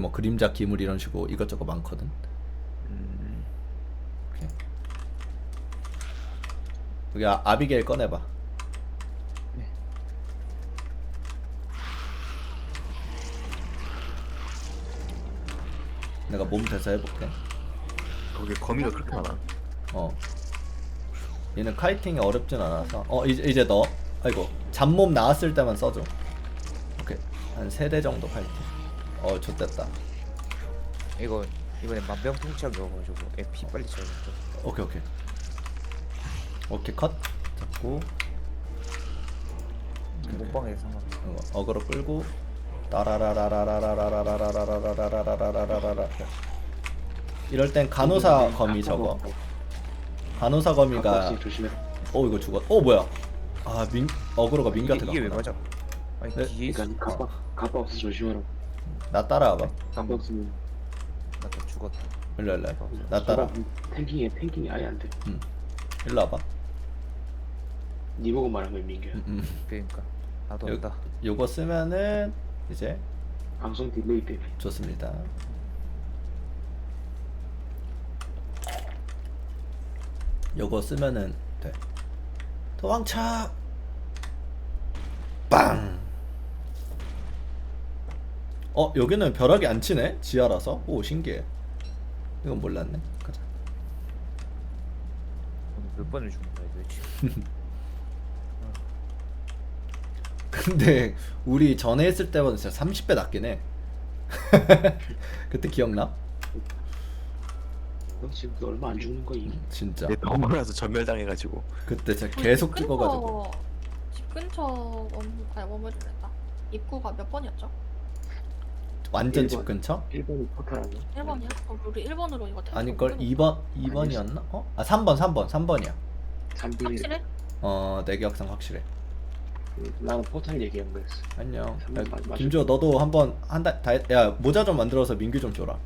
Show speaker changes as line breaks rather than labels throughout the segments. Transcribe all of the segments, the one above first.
뭐 그림자 기물 이런 식으로 이것저것 많거든. 오케이. 여기 아비게일 꺼내봐.
네.
내가 몸 대사 해볼게.
거기 거미가 그렇게 많아.
얘는 카이팅이 어렵진 않아서. 이제 너. 아이고 잡몸 나왔을 때만 써줘. 오케이. 한 3대 정도 카이팅. 좋됐다.
이번에 만병통치약이어가지고 MP 빨리 쳐야겠다.
오케이. 오케이 컷. 잡고
몸빵에 상관없어.
어그로 끌고 따라라라라라라라라라라라라라라라라라라. 이럴 땐 간호사 거미 저거. 간호사 거미가
조심해.
이거 죽었. 뭐야? 어그로가 민규한테
이게 왜
갔구나.
맞아? 아니
네?
뒤에 있어.
그러니까 가빠 없어 조심하라.
나 따라와봐.
가빠 없으면
나또 죽었다.
일로 나 따라.
탱킹이 아예 안 돼.
일로 와봐.
니 보고 말하면 민규야.
그러니까 나도 온다.
요거 쓰면은 이제
방송 딜레이 때문에.
좋습니다. 요거 쓰면은 돼. 도망쳐. 빵. 여기는 벼락이 안 치네. 지하라서. 오 신기해. 이건 몰랐네. 가자.
오늘 몇 번을 죽는 거야 도대체?
근데 우리 전에 했을 때보다 진짜 30배 낮긴 해. 그때 기억나?
너 지금 얼마 안 죽는 거야.
진짜.
내 병원에서 전멸당해가지고.
그때 진짜 계속 찍어가지고.
집 근처 원물이랬다. 입구가 몇 번이었죠?
완전
1번.
집 근처?
1번이 포탈 아니야?
1번이야? 우리 1번으로 이거 다
아닐걸? 2번이었나? 3번이야.
3번이.
확실해?
내 기억상 확실해.
나는 포탈 얘기한 거였어.
안녕.
삼번 맞아.
김주호 너도 한번 야 모자 좀 만들어서 민규 좀 줘라.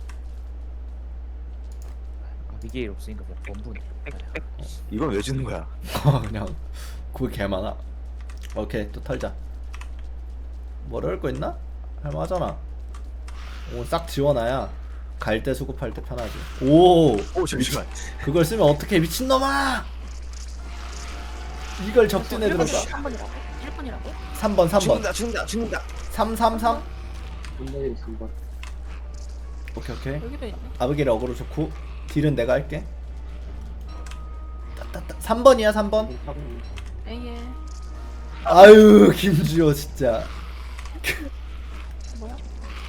미게일 없으니까 그냥 범분이.
이건 왜 주는 거야?
그냥 그게 개 많아. 오케이 또 털자. 뭐 어려울 거 있나? 할만하잖아. 오 싹 지워놔야 갈 때 수급할 때 편하지. 오
잠시만.
그걸 쓰면 어떻게 미친놈아! 이걸 적진에 들어가.
3번이라고? 1번이라고?
3번
죽는다.
333.
3번이 3번.
오케이
여기도 있네.
아브겔 어그로 좋고 딜은 내가 할게. 3번이야 3번.
에이에.
아유 김주호 진짜.
뭐야?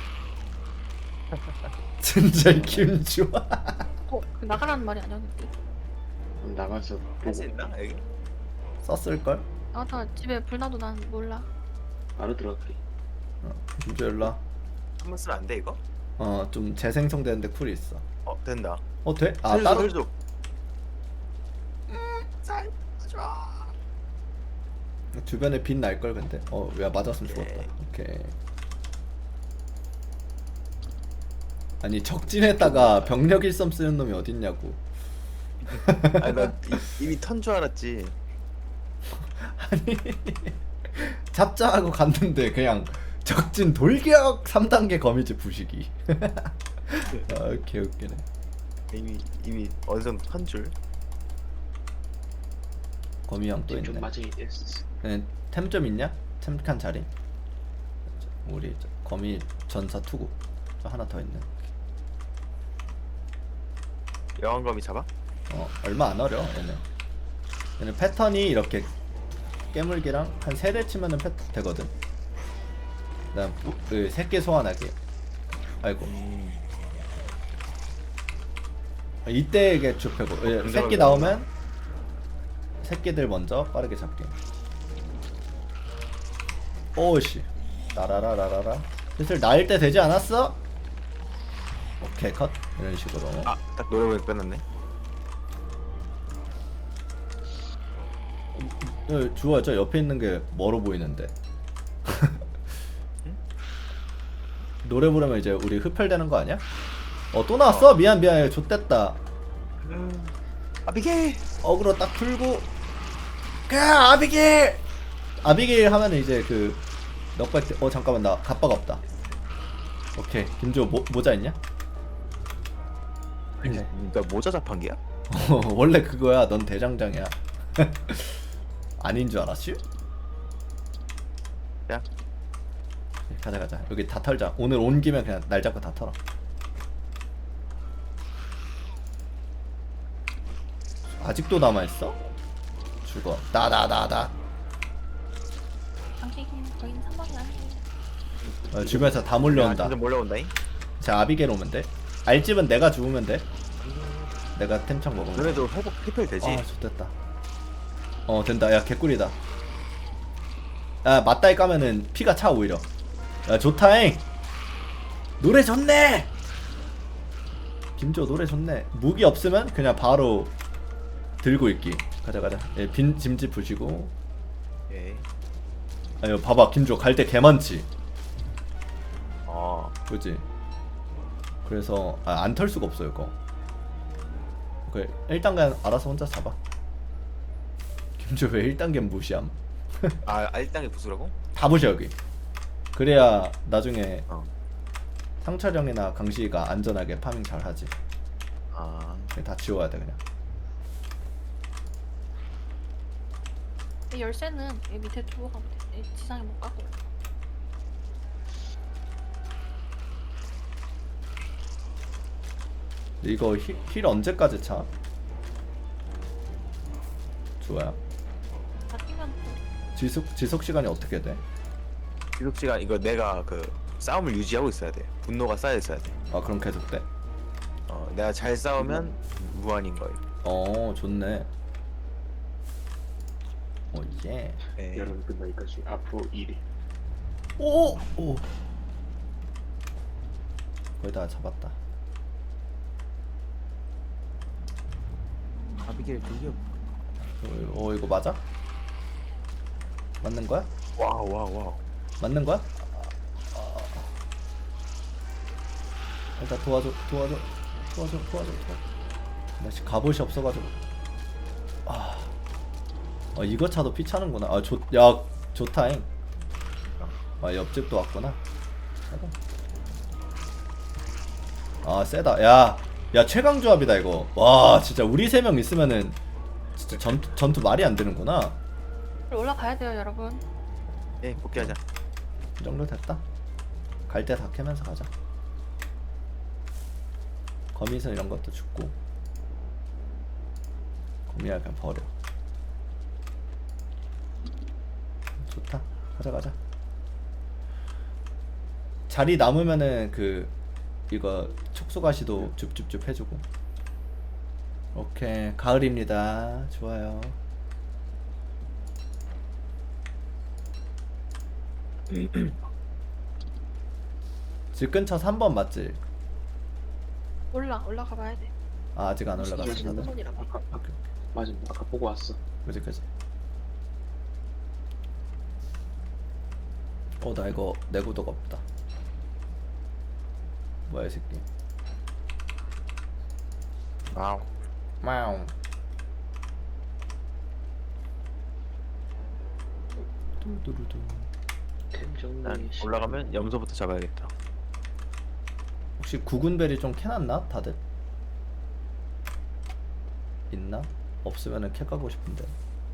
진짜 이 김주호.
그 나가라는 말이 아니었는데.
나가서
할 수 있나 여기?
썼을걸?
다 집에 불 나도 난 몰라.
바로 들어갈게.
김주호 일로와.
한번 쓰면 안 돼 이거?
좀 재생성되는데 쿨이 있어.
된다.
돼?
살려줘,
따로?
살려줘.
주변에 빛 날걸 근데. 왜 맞았으면 죽었다. 오케이. 아니 적진에다가 병력 일섬 쓰는 놈이 어딨냐고.
아니 나 이미 턴 줄 알았지.
아니 잡자하고 갔는데 그냥 적진 돌격 3단계 거미줄 부시기. 개웃기네.
이미 어느 정도 턴 줄.
거미형 또
좀
있네.
맞아야 됐어.
템 좀 있냐? 템칸 자리. 우리 거미 전사 투구. 저 하나 더 있네.
여왕검이 잡아?
얼마 안 어려 얘는 패턴이 이렇게 깨물기랑 한 3대 치면은 패턴 되거든. 그다음 그 새끼 소환하기. 아이고 이때 이게 좁혀고 새끼 나오면 새끼들 먼저 빠르게 잡기. 오씨 나라라라라라. 슬슬 나일 때 되지 않았어? 오케이 컷. 이런 식으로.
딱 노래보니 끝났네.
주호야 저 옆에 있는 게 멀어 보이는데. 노래 부르면 이제 우리 흡혈되는 거 아니야? 또 나왔어? 미안 좆됐다.
아비게일!
어그로 딱 풀고 아비게일! 아비게일 하면은 이제 그 넉백 때 잠깐만 나 갑바가 없다. 오케이. 김조 모자 있냐?
너 모자 자판기야?
원래 그거야. 넌 대장장이야. 아닌 줄 알았슈?
야.
가자. 여기 다 털자. 오늘 온 김에 그냥 날 잡고 다 털어. 아직도 남아있어? 죽어. 나.
당신이 거긴 3번이 아니에요.
주변에서 다 몰려온다.
좀 몰려온다잉.
자, 아비게일 오면 돼. 알집은 내가 죽으면 돼. 내가 템창 먹으면 돼.
너네도 회복 리필 되지?
아, 좋됐다. 된다. 야, 개꿀이다. 야, 맞다이 까면은 피가 차 오히려. 야, 좋다잉. 노래 좋네. 김조 노래 좋네. 무기 없으면 그냥 바로 들고 있기. 가자. 예, 빈 짐지 부시고.
오케이.
아유, 봐봐. 김조 갈 때 개 많지. 그지? 그래서 안 털 수가 없어요, 이거. 오케이. 1단계 알아서 혼자 잡아. 김조 왜 1단계 무시함?
아 1단계 부수라고?
다 부셔 여기. 그래야 나중에
어.
상철형이나 강시가 안전하게 파밍 잘 하지.
아
다 지워야 돼 그냥.
이 열쇠는 여기 밑에 두고 가면 돼. 이 지상에 못 가고.
이거 힐 언제까지 차? 좋아요.
다 뛰면 또
지속 시간이 어떻게 돼?
지속 시간 이거 내가 그 싸움을 유지하고 있어야 돼. 분노가 쌓여 있어야 돼.
아 그럼 계속 돼?
내가 잘 싸우면 무한인 거예요.
좋네. 예.
네.
여름 끝나기까지 앞으로 1일.
오. 거의 다 잡았다.
아비게일 저기요.
이거 맞아? 맞는 거야?
와우.
맞는 거야? 일단 도와줘. 나 지금 갑옷이 없어가지고. 이거 차도 피 차는구나. 야, 좋다잉. 옆집도 왔구나. 세다. 야, 최강 조합이다 이거. 와, 진짜 우리 3명 있으면은 진짜 전투 말이 안 되는구나.
올라가야 돼요, 여러분.
예 복귀하자.
이 정도 됐다. 갈 때 다 캐면서 가자. 거미선 이런 것도 죽고. 거미야 그냥 버려. 좋다. 가자. 자리 남으면은 이거 촉수가시도 줍줍줍 해주고. 오케이. 가을입니다. 좋아요. 집 근처 3번 맞지?
올라가 봐야 돼.
아직 안 올라갔어 다들.
3번이라고.
맞아. 아까 보고 왔어.
그지. 나 이거 내구도가 없다. 뭐야 이 새끼.
와우.
뚜두두두.
템 정리.
올라가면 염소부터 잡아야겠다.
혹시 구근벨이 좀 캐놨나 다들? 있나? 없으면은 캐 가고 싶은데.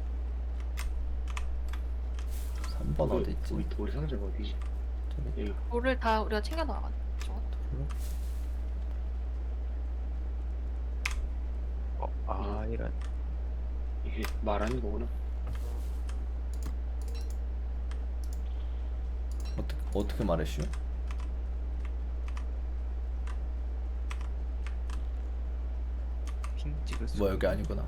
3번 어디 있지?
우리 상자가 어디지?
저기?
여기.
돌을 다 우리가 챙겨 나가죠.
이런.
이게 말하는 거구나.
어떻게 말했슈?
핑 찍을 수.
뭐 여기 아니구나.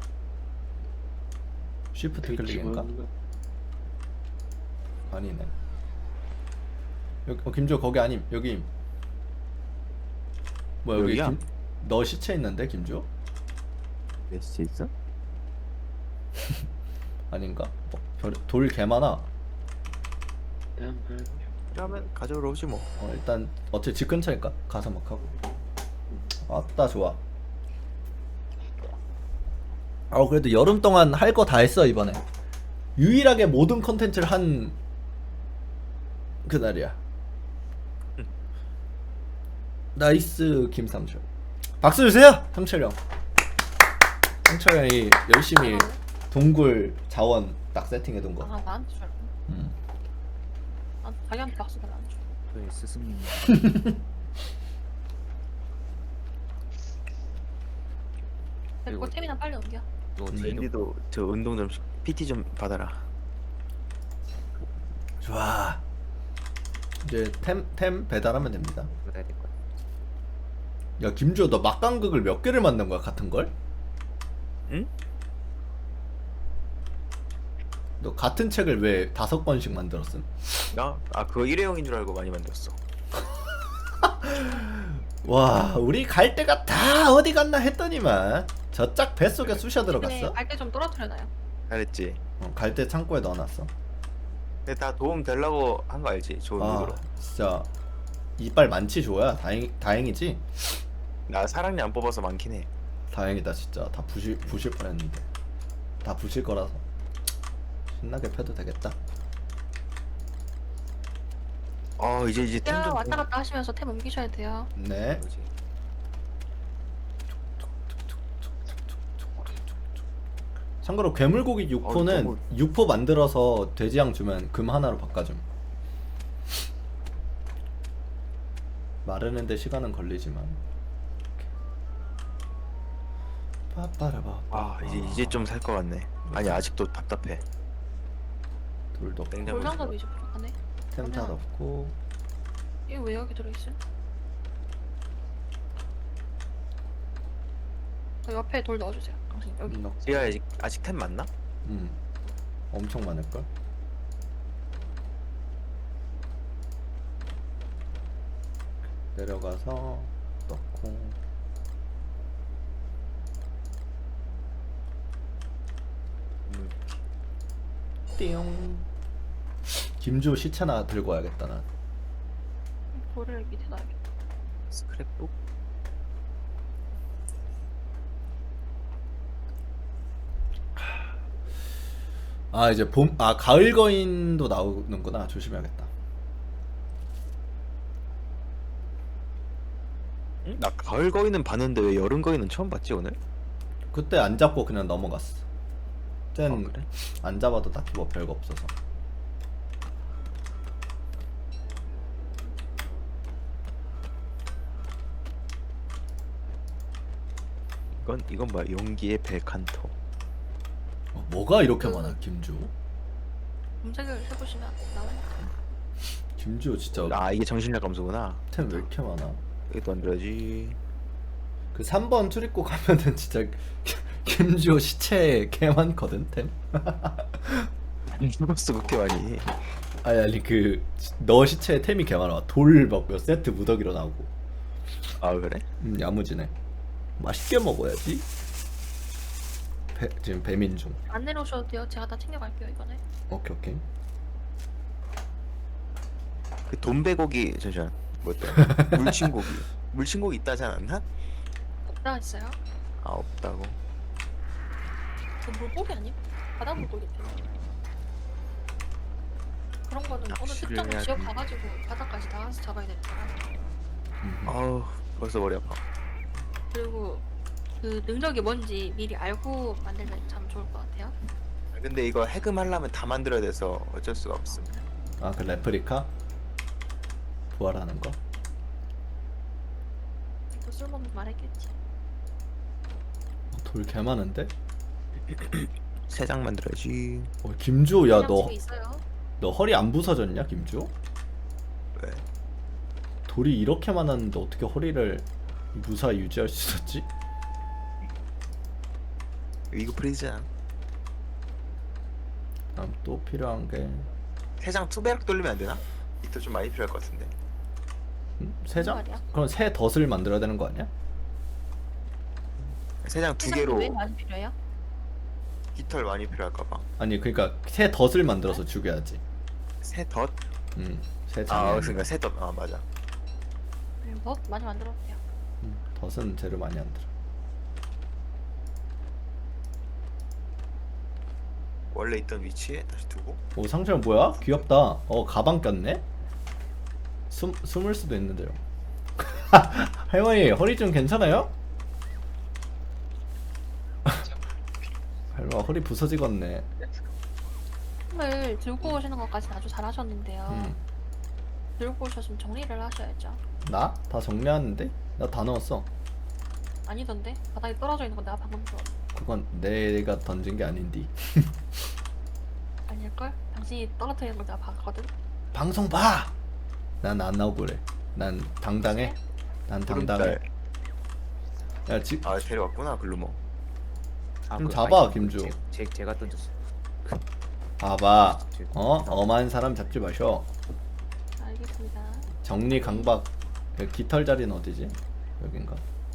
쉬프트 클릭인가? 아니네. 여기 김조 거기 아님. 여기. 뭐 여기
여기야?
너 시체 있는데 김조?
메시지 있어?
아닌가? 돌 개 많아.
그러면 가져오러 오지 뭐.
일단 어차피 집 근처니까 가서 막 하고. 아따 좋아. 그래도 여름 동안 할 거 다 했어 이번에. 유일하게 모든 컨텐츠를 한 그날이야. 나이스 김상철. 박수 주세요 상철 형. 상철 형이 열심히 동굴 자원 딱 세팅해둔 거.
아 나한테 줄 알고. 아 자기한테 박수 달라 안 줘.
저의 스승님.
그리고 템이나 빨리 옮겨.
너 뒤로
랜디도 저 운동 좀 PT 좀 받아라.
좋아. 이제 템 배달하면 됩니다.
받아야 될 거야.
야 김주호 너 막강극을 몇 개를 만든 거야 같은 걸?
응?
너 같은 책을 왜 5권씩 만들었음?
나? 아 그거 일회용인 줄 알고 많이 만들었어.
와 우리 갈 데가 다 어디 갔나 했더니만 저짝 뱃속에 쑤셔 들어갔어.
갈때 좀 떨어뜨려놔요.
잘했지.
갈 때 창고에 넣어놨어.
근데 다 도움 되려고 한 거 알지? 좋은
아
의도로.
진짜 이빨 많지 조야. 다행이지.
나 사랑니 안 뽑아서 많긴 해.
다행이다 진짜. 다 부실 뻔했는데 다 부실 거라서 신나게 펴도 되겠다.
이제 템
야
좀.
왔다 갔다 하시면서 템 옮기셔야 돼요.
네.
뭐지?
참고로 괴물고기 6포는
너무-
6포 만들어서 돼지양 주면 금 하나로 바꿔줌. 마르는데 시간은 걸리지만. 빠빠라바.
이제 좀 살 것 같네. 아니 아직도 답답해.
돌도 없고,
냉장고.
골상도 이제 부족하네.
템탈 없고.
이거 왜 여기 들어있음? 옆에 돌 넣어주세요. 당신 여기.
지가 아직 템 맞나?
엄청 많을걸? 내려가서 넣고 띠용. 김주호 시체나 들고 와야겠다 난.
돌을 밑에 놔야겠다.
스크랩북?
아 이제 가을 거인도 나오는구나. 조심해야겠다.
응? 나 가을 거인은 봤는데 왜 여름 거인은 처음 봤지 오늘?
그때 안 잡고 그냥 넘어갔어. 땐
그래?
안 잡아도 딱히 뭐 별거 없어서.
이건 뭐야? 용기의 벨칸토.
뭐가 이렇게 많아 김주호?
검색을 해보시면 나와요.
김주호 진짜
이게 정신력 감소구나.
템 왜 이렇게 많아?
이것도 만들어야지.
그 3번 출입구 가면은 진짜 김주호 시체 개 많거든 템.
죽었어 그렇게 많이.
아니 그 너 시체에 템이 개 많아. 돌 막 몇 세트 무더기로 나오고.
아 그래?
야무지네. 맛있게 먹어야지. 지금 배민 중.
안 내려오셔도 돼요. 제가 다 챙겨갈게요 이번에.
오케이.
그 돈배고기 잠시만 뭐였다? 물친고기. 물친고기 있다지 않았나?
없다 있어요.
아 없다고.
그 물고기 아님? 바다 물고기 때문에. 그런 거는 어느
낚시를
특정
해야지.
지역 가가지고 바다까지 나가서 잡아야 되니까.
아우 벌써 머리 아파.
그리고 그 능력이 뭔지 미리 알고 만들면 참 좋을 것 같아요.
근데 이거 해금하려면 다 만들어야 돼서 어쩔 수가 없음.
아 그 레프리카 부활하는 거.
또 쓸모없는 말 했겠지.
돌 개 많은데?
3장 만들어야지.
김주호 야
그냥 집에 있어요.
너 허리 안 부서졌냐 김주호?
왜?
돌이 이렇게 많았는데 어떻게 허리를 무사히 유지할 수 있었지?
이거 프리즈야.
다음 또 필요한 게
3장 투배락 돌리면 안 되나? 이거 좀 많이 필요할 것 같은데.
세 장?
말이야?
그럼 새 덫을 만들어야 되는 거 아니야?
3장 2개로
세상에 왜 많이 필요해요?
깃털 많이 필요할까봐.
아니 그러니까 새 덫을 만들어서 죽여야지.
새 덫?
새 장에
그러니까 새 덫. 아 맞아.
뭐 많이 만들어도 돼요.
덫은 재료 많이 안 들어.
원래 있던 위치에 다시 두고.
오 상처 뭐야? 귀엽다. 가방 꼈네? 숨을 수도 있는데요. 할머니 허리 좀 괜찮아요? 할머니 허리 부서지겠네.
선물 들고 오시는 것까지는 아주 잘하셨는데요.
음.
들고 오셨으면 정리를 하셔야죠.
나? 다 정리하는데? 나 다 넣었어.
아니던데? 바닥에 떨어져 있는 건 내가 방금 줘.
그건 내가 던진 게 아닌디.
아닐걸? 당신이 떨어뜨리는 걸 내가 봤거든?
방송 봐! 난 안 나오고 그래. 난 당당해. 난 당당해. 야,
아 데려왔구나 글루머.
좀 잡아, 김주.
제가 던졌어.
봐봐. 엄한 사람 잡지 마셔.
알겠습니다.
정리 강박. 그 깃털 자리는 어디지? 여긴가?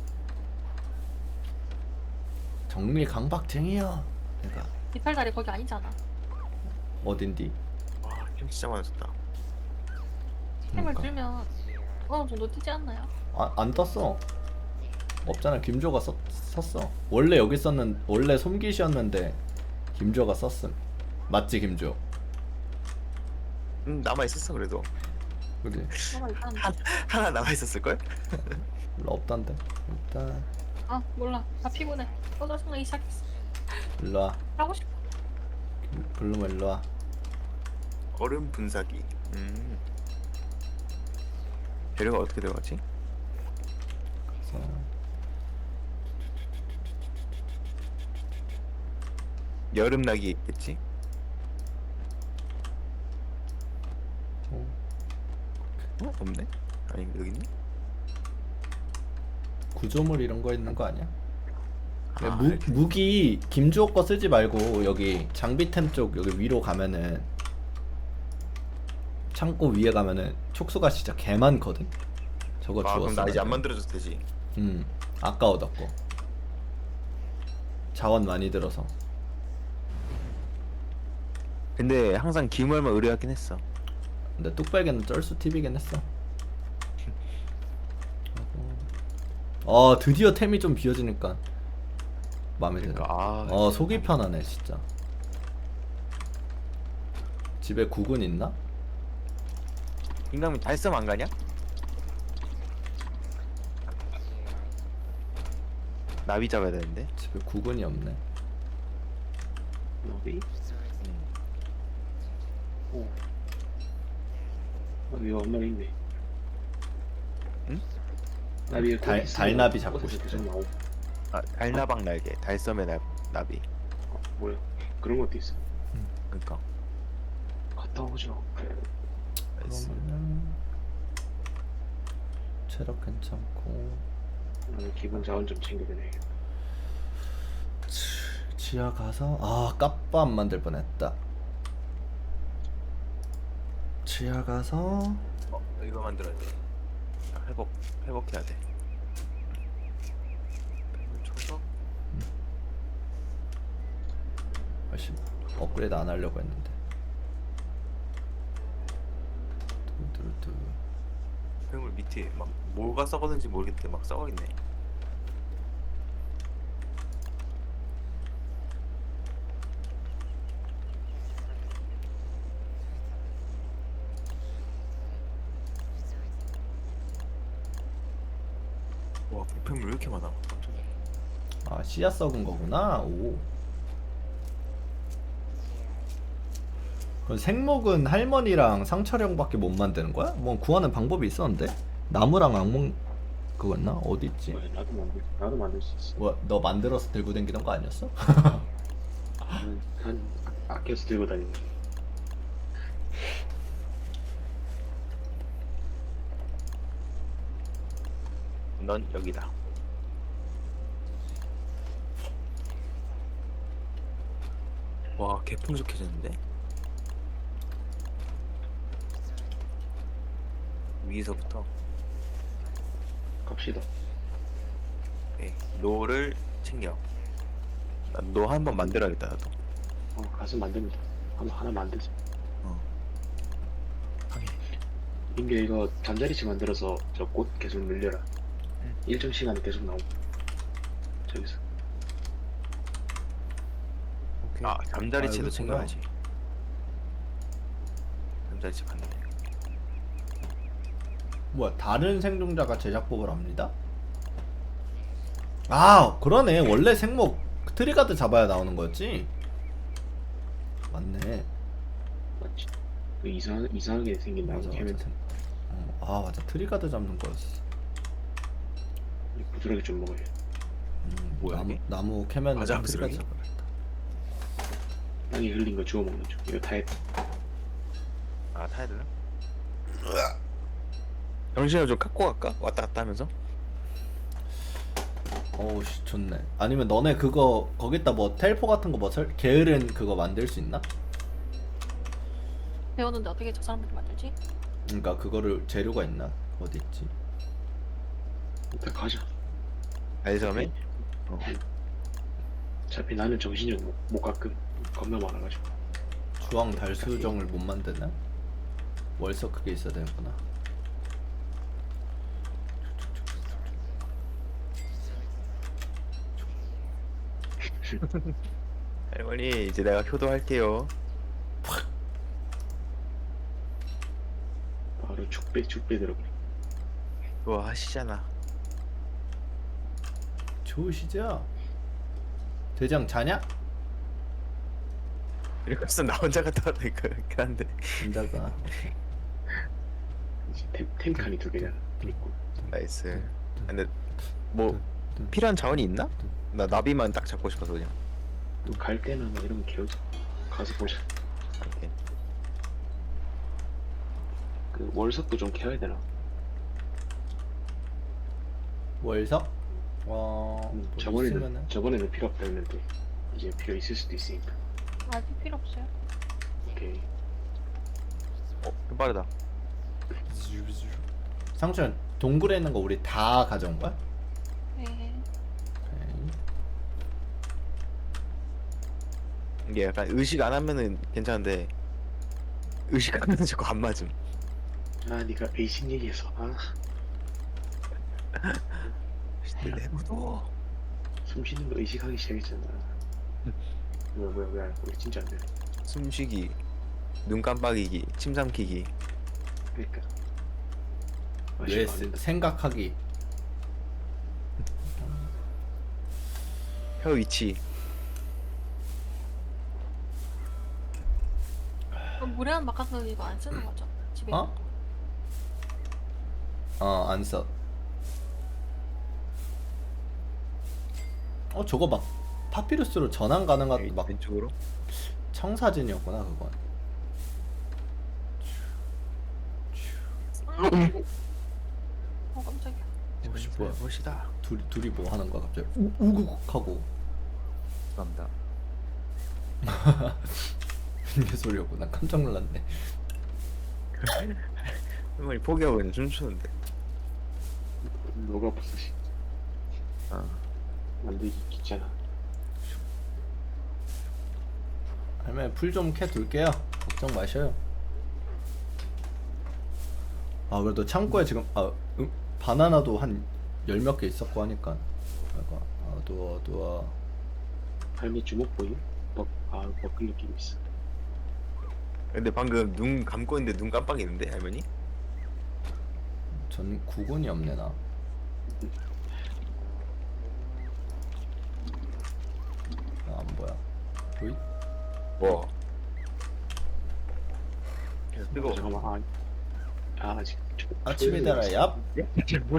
정리 강박쟁이야. 내가
깃털다리 거기 아니잖아.
어딘디?
와힘 진짜 많아졌다.
템을
그러니까.
들면 어느 정도 뛰지 않나요?
안 떴어. 없잖아. 김조가 썼어. 원래 여기 원래 솜깃이었는데 김조가 썼음. 맞지 김조?
남아 있었어 그래도.
그래.
뭐가 있다는데.
하나 남아 있었을 걸?
별로 없단데. 일단
아 몰라. 다 피곤해. 또 짜증나기 시작했어.
일로 와.
하고 싶어.
블루머 일로 와.
얼음 분사기. 재료가 어떻게 들어가지?
그래서
여름 낙이 있겠지? 없네? 아니 여기 있네?
구조물 이런 거 있는 거 아니야?
아,
무기 김주호 거 쓰지 말고 여기 장비템 쪽 여기 위로 가면은 창고 위에 가면은 촉수가 진짜 개 많거든. 저거
아 그럼
주웠어.
나 이제 안 만들어줘도 되지.
아까 얻었고 자원 많이 들어서.
근데 항상 기물만 의뢰하긴 했어.
근데 뚝배기는 쩔수 팁이긴 했어. 드디어 템이 좀 비어지니까 마음에 드네.
그러니까
속이 편하네 진짜. 집에 국은 있나?
인간미 달섬 안 가냐? 나비 잡아야 되는데.
집에 국은이 없네.
나비? 오. 나비가 엄청 있네.
응?
나비
달나비 잡고
어디서
싶대.
계속 나오고.
아 달나방 날개, 달섬의 나비.
뭐야? 그런 것도 있어.
그러니까.
갔다 오죠.
그러면은 체력 괜찮고
나는 기본 자원 좀 챙겨야겠다.
지하 가서 까빠 안 만들 뻔했다. 지하 가서
이거 만들어야 돼. 회복해야 돼. 뱀을 쳐서
업그레이드 안 하려고 했는데. 두두두.
뱀을 밑에 막 뭐가 썩었는지 모르겠는데 막 썩어있네. 와 뱀을 왜 이렇게 많아? 깜짝이야.
씨앗 썩은 거구나. 오. 그럼 생목은 할머니랑 상철형밖에 못 만드는 거야? 뭐 구하는 방법이 있었는데? 나무랑 악몽 그거였나? 어디 있지?
뭐야, 나도 만들 수 있어.
뭐 너 만들어서 들고 다니던 거 아니었어?
한 아껴서 들고 다니는.
넌 여기다. 와 개풍족해졌는데? 위에서부터
갑시다.
노를 챙겨. 노 한 번 만들어야겠다 나도.
가서 만듭니다. 하나 만들자.
하긴.
인게 이거 잠자리치 만들어서 저 꽃 계속 늘려라. 일정 시간에 계속 나오고. 저기서.
오케이.
아 잠자리채도
이거구나.
챙겨야지. 잠자리채 봤는데.
뭐야 다른 생존자가 제작법을 합니다? 아 그러네 원래 생목 트리가드 잡아야 나오는 거였지? 맞네.
맞지? 그 이상하게 생긴 나무
맞아
캐면
맞아. 아 맞아 트리가드 잡는 거였어.
부드럽게 좀 먹어요.
뭐야, 이게?
나무 캐면
맞아,
트리가드
부스러기?
잡아야겠다.
땅에 흘린 거 주워 먹는 중. 이거 다 했.
아 타야 되나? 정신을 좀 갖고 갈까? 왔다 갔다 하면서?
어우 씨 좋네. 아니면 너네 그거 거기다 뭐 텔포 같은 거 뭐 게으른 그거 만들 수 있나?
배웠는데 어떻게 저 사람들이 만들지?
그러니까 그거를 재료가 있나? 어디 있지?
일단 가자.
알점에?
어차피 나는 정신을 못 가끔 겁나 많아가지고.
주황 달수정을 못 만드나? 월석 그게 있어야 되는구나.
할머니 이제 내가 효도할게요.
바로 죽배 들어가.
좋아 하시잖아.
좋으시죠? 대장 자냐?
이렇게 해서 나 혼자 갔다 왔다니까 그렇긴 한데.
진짜가.
이제 템칸이 2개잖아. 있고.
나이스. 근데 뭐 필요한 자원이 있나? 나 나비만 딱 잡고 싶어서 그냥.
갈 때나 뭐 이런 거 개우자. 가서 보자.
오케이.
그 월석도 좀 캐야 되나?
월석? 뭐 있으면은
저번에는 필요 없다 했는데 이제 필요 있을 수도 있으니까.
아직 필요 없어요.
오케이.
좀 빠르다.
상추는 동굴에 있는 거 우리 다 가져온 거야?
네.
오케이.
이게 약간 의식 안 하면은 괜찮은데 의식 하면은 자꾸 안 맞음.
아 네가 베이신 얘기해서
내부도
숨 쉬는 거 의식하기 시작했잖아. 뭐야 우리 진짜 안 돼.
숨쉬기, 눈 깜빡이기, 침 삼키기.
그러니까.
왜 생각하기.
혀 위치.
그럼 무례한 막가서 이거 안 쓰는 거죠? 집에.
어? 안 써. 저거 막 파피루스로 전환 가능한 막
왼쪽으로.
청사진이었구나 그건.
깜짝이야.
뭐야?
보시다.
둘이 뭐 하는 거야 갑자기 우국 하고.
감사합니다.
이게 소리였구나. 깜짝 놀랐네.
할머니 포기하고 그냥 춤추는데.
너가 부서지.
아.
만들기 귀찮아.
할머니 풀 좀 캐 둘게요. 걱정 마셔요. 아 그래도 창고에 지금 바나나도 한 10몇 개 있었고 하니까. 어두워.
할미 주먹 보임? 버클 느낌 있어.
근데 방금 눈 감고 있는데 눈 깜빡이는데 할머니?
전 구근이 없네 나. 안 보여. 보이?
뭐? 뜨거워.
잠깐만. 아직
아침에 달아 얍.